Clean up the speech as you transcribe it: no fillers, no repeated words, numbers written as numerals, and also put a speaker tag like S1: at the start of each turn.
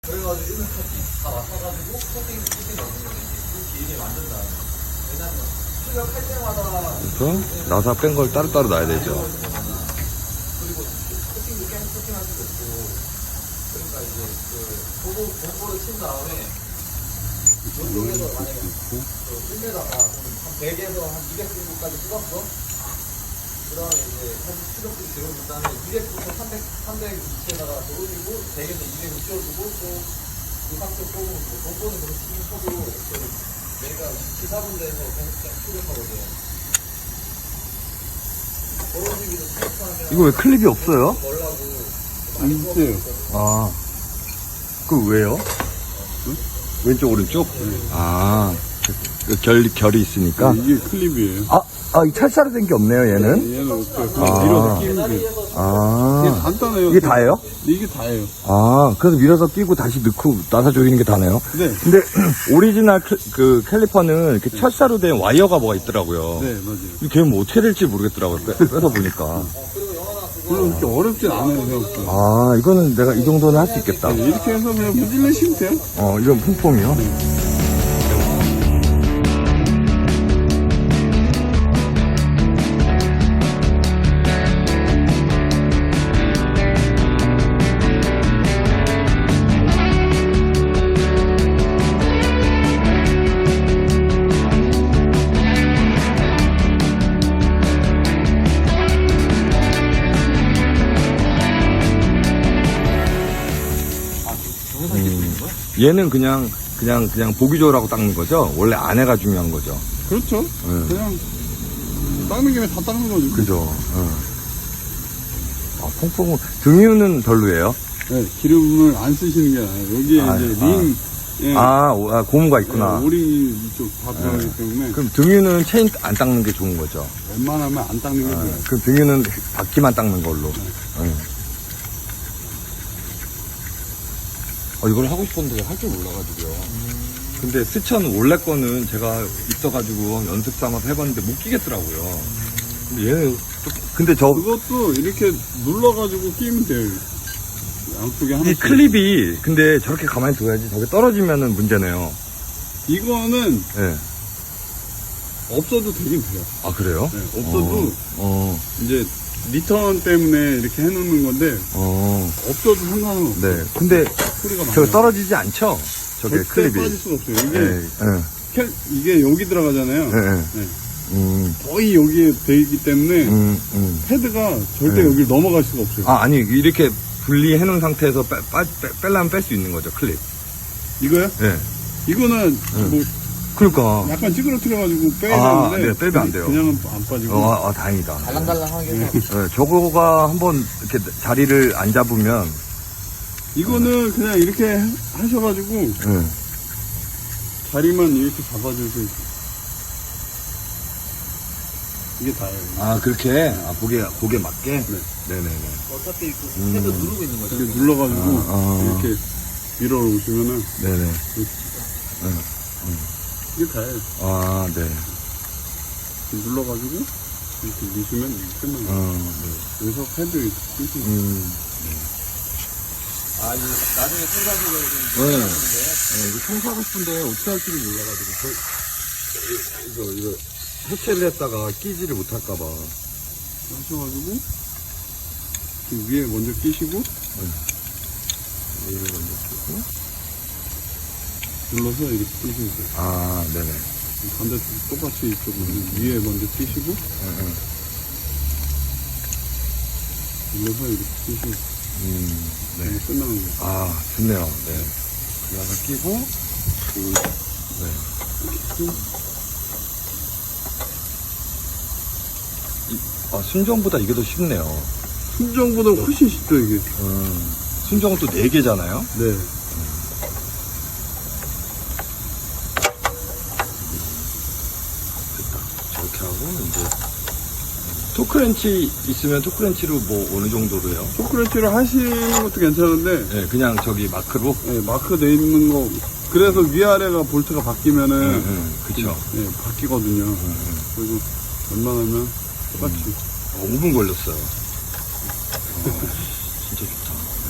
S1: 그래가지고 일본 다 맡아가지고 코팅 넣는 거지. 그 길게 만든 다음에. 왜냐면 출력할 때마다
S2: 그래서 나사 뺀 걸 따로따로 놔야 되죠.
S1: 그리고 코팅도 계속 코팅할 수도 없고. 그러니까 이제 그 공고를 친 다음에 이쪽에서 만약에 1m가 한 100에서 한 200정도까지 뽑았어. 그 다음에 이제 사실 출력도 들어준 다음에 200부터 300위치에다가 돌리고 100에서 200을 씌워주고 또 그 상태 뽑으면 공고는 그렇게 치긴 쳐도 내가 위치 4분대에서 계속 출력하거든. 그런 식으로 출력하면
S2: 이거 왜 클립이 없어요?
S1: 멀라고
S3: 있어요.
S2: 아, 그 왜요? 왼쪽 오른쪽? 아, 결이 있으니까.
S3: 이게 클립이에요.
S2: 이 찰사로 된 게 없네요, 얘는.
S3: 얘는 없어요.
S2: 아.
S3: 그냥 밀어서 끼면 돼요. 이게
S2: 아,
S3: 간단해요.
S2: 이게 다예요?
S3: 이게 다예요.
S2: 아, 그래서 밀어서 끼고 다시 넣고 나사 조이는 게 다네요.
S3: 네.
S2: 근데 오리지널 그 캘리퍼는 이렇게 철사로 된 와이어가 뭐가 있더라고요.
S3: 네, 맞아요.
S2: 걔는 뭐 어떻게 될지 모르겠더라고요. 빼서 보니까.
S3: 별로 그렇게 어렵진 않아요, 생각보다.
S2: 아, 이거는 내가 이 정도는 할 수 있겠다.
S3: 네, 이렇게 해서 그냥 문질러시면 돼요.
S2: 이건 퐁퐁이요. 얘는 그냥 보기 좋으라고 닦는 거죠? 원래 안에가 중요한 거죠?
S3: 그렇죠.
S2: 네.
S3: 그냥 닦는 김에 다 닦는 거죠.
S2: 그죠? 퐁퐁은 등유는 별로예요?
S3: 네, 기름을 안 쓰시는 게 나아요. 여기에 이제 링, 예,
S2: 고무가 있구나.
S3: 네, 오리 이쪽 다 들어가기 때문에
S2: 그럼 등유는 체인 안 닦는 게 좋은 거죠?
S3: 웬만하면 안 닦는 게 좋아요.
S2: 그럼 등유는 바퀴만 닦는 걸로. 이걸 하고 싶었는데 할 줄 몰라가지고요. 근데 스천 원래 거는 제가 있어가지고 연습 삼아서 해봤는데 못 끼겠더라고요. 근데 얘는 근데
S3: 그것도 이렇게 눌러가지고 끼면 돼요. 양쪽에
S2: 이
S3: 하나씩.
S2: 클립이 근데 저렇게 가만히 둬야지 저게 떨어지면은 문제네요.
S3: 이거는
S2: 예.
S3: 없어도 되긴 돼요.
S2: 아 그래요?
S3: 네, 없어도
S2: 어.
S3: 이제 리턴 때문에 이렇게 해놓는 건데 없어도 상관은 없어요.
S2: 네. 근데
S3: 소리가
S2: 저거
S3: 많아요.
S2: 떨어지지 않죠? 저게
S3: 절대
S2: 클립이.
S3: 빠질 수가 없어요. 이게
S2: 예.
S3: 이게 여기 들어가잖아요.
S2: 예.
S3: 네. 거의 여기에 돼 있기 때문에 패드가 절대
S2: 네.
S3: 여기를 넘어갈 수가 없어요.
S2: 아니 이렇게 분리해 놓은 상태에서 빼려면 뺄 수 있는 거죠 클립.
S3: 이거요?
S2: 네.
S3: 이거는 뭐
S2: 그러니까.
S3: 약간 찌그러뜨려가지고 빼야 되는데
S2: 네, 빼면 안 돼요.
S3: 그냥은 안 빠지고.
S2: 다행이다.
S1: 달랑달랑하게 해서
S2: 네, 저거가 한번 이렇게 자리를 안 잡으면
S3: 이거는 그냥 이렇게 하셔가지고 자리만 이렇게 잡아주세요. 이게 다예요.
S2: 그렇게 고개 맞게.
S3: 네.
S2: 네네네.
S1: 어차피 그 패드 누르고 있는 거죠.
S3: 이렇게 눌러가지고 이렇게 밀어 오시면은
S2: 네네.
S3: 이게 다예요.
S2: 네.
S3: 눌러가지고 이렇게 미시면 끝나요.
S2: 네.
S3: 여기서 패드 이렇게 끼시면
S1: 이거 나중에 생각해보면
S2: 이거 청소하고 싶은데 어떻게 할지를 몰라가지고 이거 해체를 했다가 끼지를 못할까봐.
S3: 하셔가지고 위에 먼저 끼시고
S2: 얘를 먼저 끼고.
S3: 눌러서 이렇게 끼시면 돼요.
S2: 네네.
S3: 반대쪽 똑같이 이쪽 위에 먼저 끼시고 눌러서 이렇게 끼시면
S2: 네.
S3: 끝나는 거예요.
S2: 좋네요. 네. 그래서 끼고, 순정보다 이게 더 쉽네요.
S3: 순정보다 훨씬 쉽죠 이게.
S2: 순정은 또 4개잖아요?
S3: 네.
S2: 저렇게 하고, 이제, 토크렌치 있으면 토크렌치로 뭐 어느 정도로 해요?
S3: 초크렌치를 하시는 것도 괜찮은데
S2: 네, 그냥 저기 마크로?
S3: 네, 마크 돼 있는 거 그래서 위아래가 볼트가 바뀌면은
S2: 그쵸.
S3: 네, 바뀌거든요. 그리고 웬만하면 똑같이
S2: 5분 걸렸어요.